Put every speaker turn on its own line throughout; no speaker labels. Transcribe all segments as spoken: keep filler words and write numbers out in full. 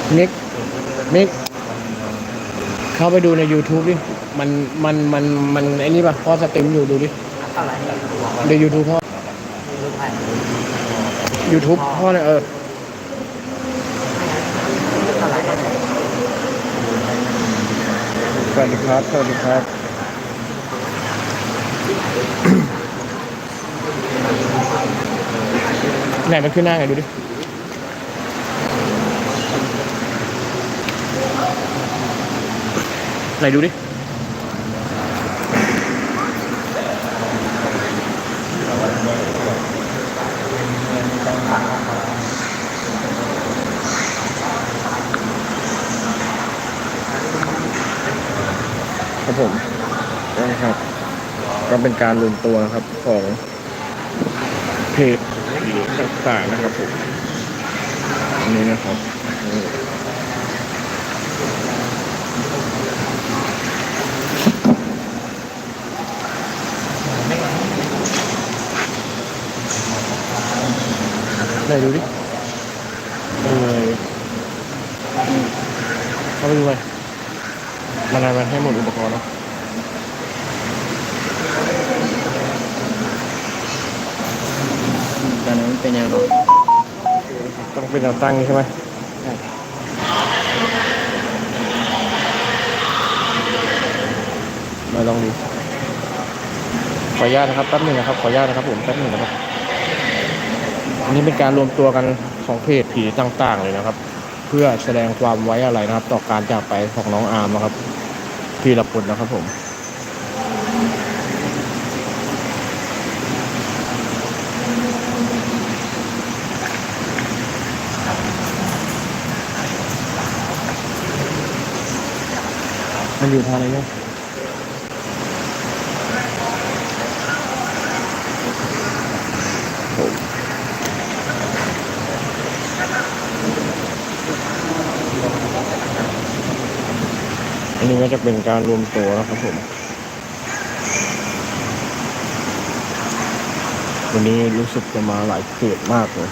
นิกนิกเข้าไปดูใน YouTube ดิมันมันมันมันไอ้นี่ป่ะพ่อสตรีมอยู่ดูดิใน YouTube พ่อ YouTube พ่อเนี่ยเออสวัสดีครับสวัสดีครับไหนมันขึ้นหน้าไงดูดิไหนดูดิครับผมนะครับก็เป็นการรวมตัวนะครับของเพจต่างๆนะครับผมอันนี้นะครับไหนดูดิเออเข้าไปดูเลยมันอะไรมันให้หมดอุปกรณ์เนาะตอนนั้นเป็นยังไงต้องเป็นแนวตั้งใช่ไหมใช่มาลองดูขออนุญาตนะครับแป๊บหนึ่งนะครับขออนุญาตนะครับผมแป๊บหนึ่งนะครับอันนี้เป็นการรวมตัวกันของเพจผีต่างๆเลยนะครับ เพื่อแสดงความไว้อะไรนะครับต่อการจากไปของน้องอาร์มนะครับพีรพลนะครับผมมันอยู่ทางไหนเนี่ยอันนี้ก็จะเป็นการรวมตัวนะครับผมวันนี้รู้สึกจะมาหลายเขตมากเลย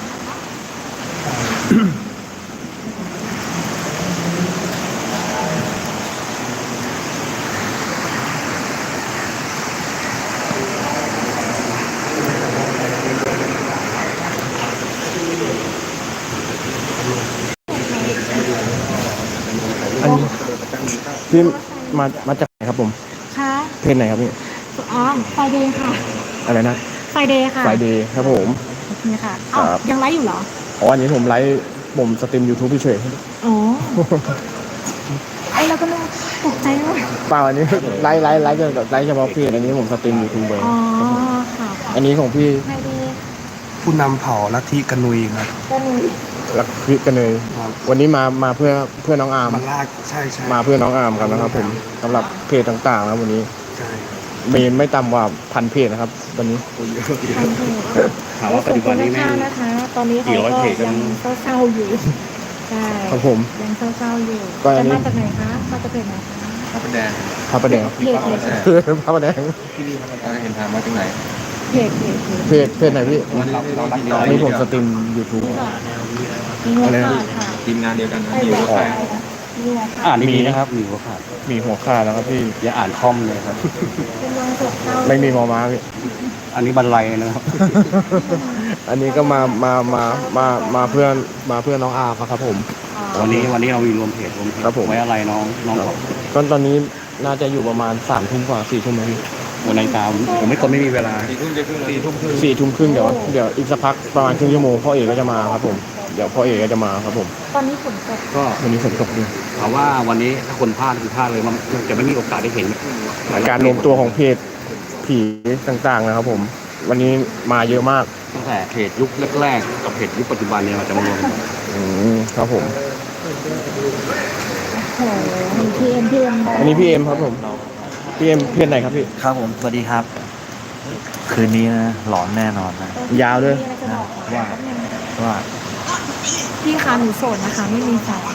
อันนี้พี่มามาจากไหนครับผม
ค่ะ
เพจไหนครับพี่
อ๋อไฟเดย์ค่ะ
อะไรนะ
ไฟเดย์ค่ะ
ไฟเดย์ครับผม
โอเคค่ะอ้าวยังไลฟ์อยู่เหรอ
อ๋ออันนี้ผมไลฟ์ผมสตรีม YouTube เฉย
อ๋อไอเราก็ตกใจว่า
เปล่าอันนี้ไลฟ์ไลฟ์ไลฟ์ไลฟ์เฉพาะเพจอันนี้ผมสตรีม YouTube เลย
อ๋อค่ะ
อันนี้ของพี่
ไฟเดย์
ผู้นำเผ่าลัทธิกนุยครับ
กนุย
ลักพิกันเลยวันนี้มามาเพื่อเพื่อน้องอาร์ม
มาลากใช่ใช่
มาเพื่อน้องอาร์มกันนะครับผมสำหรับเพจต่างๆนะวันนี้
ใช่
เมนไม่ต่ำกว่าพันเพจนะครับวันนี้
ถามว่าปัจจุบันนี้แม่
นะคะตอนนี้เขาก็ยังเศร้าๆอยู่ใช่
ครับผม
ยังเศร้าๆอยู่จะมาจากไหนคะมาจากเพจไหนคะ
พระประแดง
พระประแดง
เพจ
พระประแดง
ที่นี่เห็นทางมาจากไหน
เพจเพจ
เพจเพจไหนพี่นี่ผมสตรีม YouTube
อะไรนะ
ทีมงานเดียวกัน
มีหัวขาด
อ่านดีนะครับมีหัวขาด
มีหัวขาดแล้วครับพี่
อย่าอ่านคอมเลยครับ
ไม่มีมอม้าพี่
อันนี้บรรลัยนะครับ
อันนี้ก็มามามามามาเพื่อนมาเพื่อนน้องอาร์ครับผม
วันนี้วันนี้เรามีรวมเพจรวมเพจไว้อะไรน้องน้อง
ก็ตอนนี้น่าจะอยู่ประมาณสามทุ่มกว่าสี่ทุ่มพี่
วันในตามผมไม่คนไม่มีเวลาสี่ทุ่มจะครึ่งสี่ทุ่มครึ่ง
สี่ทุ่มครึ่งเดี๋ยวเดี๋ยวอีกสักพักประมาณครึ่งชั่วโมงพ่อเอกก็จะมาครับผมเดี๋ยวพ่อเอกก็จะมาครับผม
ตอนนี้ฝนตก
ก็
วันนี้ฝนตกด้วย
ถามว่าวันนี้ถ้าคนพลาดคือพลาดเลยมันจะไม่มีโอกาสได้เห็น
การรวมตัวของเพจผีต่างๆนะครับผมวันนี้มาเยอะมาก
ตั้งแต่เพจยุคแรกๆกับเพจยุคปัจจุบันเนี่ยเราจะมารวม
อืมครับผม
โอ้โหพีเอ็มพีเอ็ม
อันนี้พี่เอ็มครับผมพี่เอ็มเพจไหนครับพี่
ครับผมสวัสดีครับคืนนี้นะหลอนแน่นอนนะ
ยาวด้วย
ว่าว่า
พี่คะหนูโสดนะคะไม่มีแฟน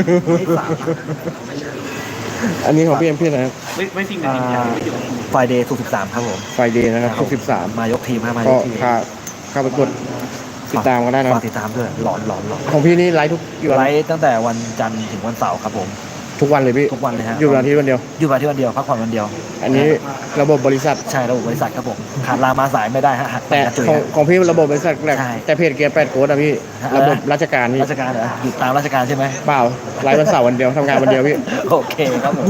อันนี้ของพี่เอ็มพี่ไหน
ไม่ไม่จริงนะ
ไฟเดย์สุกสิบสามครับผม
ไฟเดย์นะครับสุกสิบสาม
มายกทีมครับมายกทีม
ค่าค่าไปกดติดตามกันได้นะ
ฝากติดตามด้วยหลอนหลอนหลอน
ของพี่นี่ไลฟ์ทุกกี่วัน
ไลฟ์ตั้งแต่วันจันทร์ถึงวันเสาร์ครับผม
ทุกวันเลยพี่
ทุกวันเลยฮะ
อยู่วันอาทิตย์วันเดียว
อยู่วันที่วันเดียวพักผ่อนวันเดียว
อันนี้ระบบบริษัท
ใช่ระบบบริษัทครับผมขาดลามาสายไม่ได้ฮะหัก
แต่
กระจุย
ของ
ฮะ
ของพี่ระบบบริษัทแหละ
ใช่
แต่เพจเกียร์แปดโค้ดอะพี่ ระบบราชการพี่
ราชการเหรออยู่ตามราชการใช่ไหม
เปล่าไลฟ์วันเสาร์วันเดียวทำงานวันเดียวพี่
โอเคครับผม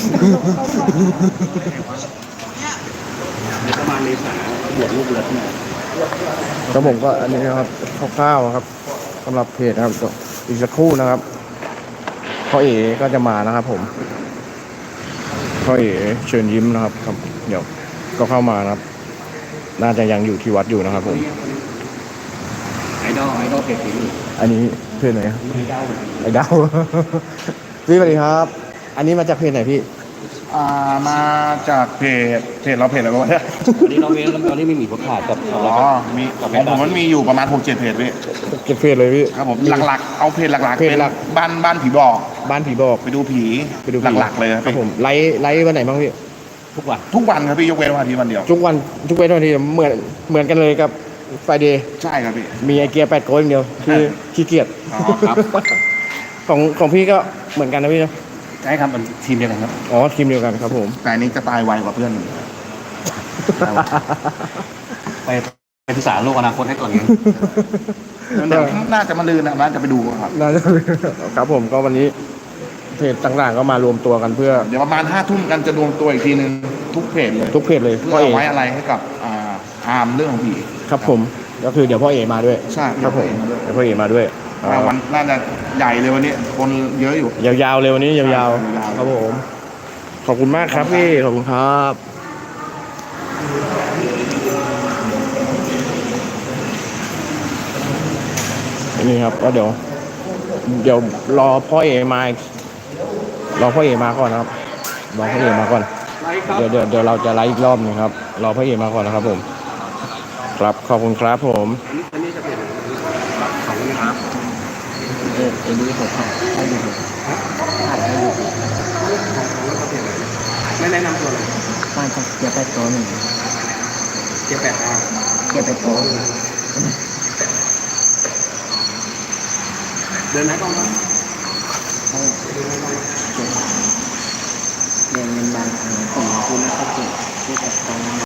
ประมาณเมษาบวชลูกเรือที่ไหน
ครับผมก็อันนี้นะครับคร่าวๆครับสำหรับเพจนะครับอีกสักครู่นะครับพ่อเอ๋ก็จะมานะครับผมพ่อเอ๋เชิญยิ้มนะครับครับ เดี๋ยวก็เข้ามานะครับ น่าจะยังอยู่ที่วัดอยู่นะครับผม
ไอดอลไอดอลเพจสี
อันนี้เพจไหนครับ
ไอดอล
ไอ้ดาว พี่สวัสดีครับ อันนี้มาจากเพจไหนพี่
อ่ามาจากเพจเพจเราเพจอะไรบ้างเนี่ย
วันนี้เราเว้นแล้ววันนี้ไม่มีผักขาดกับ
อ๋อมีของผมมันมีอยู่ประมาณหกเจ็ดเพจพี่
เก็บเพจเลยพี่
ครับผมหลักๆเอาเพจหลักๆ
เพจ
เป็น
หลัก
บ้านบ้านผีบอก
บ้านผีบอก
ไปดูผี
ไปดูผี
หลักๆเลยครับ
ครับ
พี่
ผมไลฟ์ไลฟ์วันไหนบ้างพี่
ทุกวัน
ทุกวันครับพี่ยกเว้นวันอาทิตย์วันเดียว
ทุกวันทุกเว้นวันทีเหมือนเหมือนกันเลยกับไฟเดย์
ใช่ครับพี่
มีไอเกียร์แปดโกอย่างเดียวคือขี้เกียจ
อ๋อครับ
ของของพี่ก็เหมือนกันนะพี่นะ
ใช่ครับมันทีมเดียวกันครับ
อ๋อทีมเดียวกันครับผม
แต่อันนี้จะตายไวกว่าเพื่อน
ไปไปศึกษาโลกอนาคตให้ก่อนไง
เดี๋ยวน่าจะมาลืนนะน่าจะไปดูครับ
น่าจะครับผมก็วันนี้เพจต่างๆก็มารวมตัวกันเพื่อ
เดี๋ยวประมาณห้าทุ่มกันจะรวมตัวอีกทีหนึ่งทุกเพจเลย
ทุกเพจเลย
เพื่อ
พ่อเอ
เอาไว้อะไรให้กับอ่าอาร์มเรื่องของผี
ครับผมก็คือเดี๋ยวพ่อเอมาด้วย
ใช่
ครับผมเดี๋ยวพ่อเอมาด้วย
ว่าวันน่าจะใหญ่เลยวันนี้คนเยอะอยู่
ยาวๆเลยวันนี้ยาว
ยาว
ๆ
ๆ
ครับผมขอบคุณมากครับพี่ขอบคุณครับนี่ครับก็เดี๋ยว เดี๋ยวรอพ่อเอมาอีกรอพ่อเอมาก่อนนะครับรอพ่อเอมาก่อนเดี๋ยวเดี๋ยวเดี๋ยวเราจะไลฟ์อีกรอบหนึงครับรอพ่อเอมาก่อนนะครับผม ครับขอบคุณครับผม
เออไอ้นี่ผมให้ดู
ไม่แนะนำตัวเลย
บ้านเกียร์แปดโต๊ะหนึ่ง
เจ็ดแปดอาร์
เกียร์แปดโต๊ะ
เดินไหนกล้องครับ
เ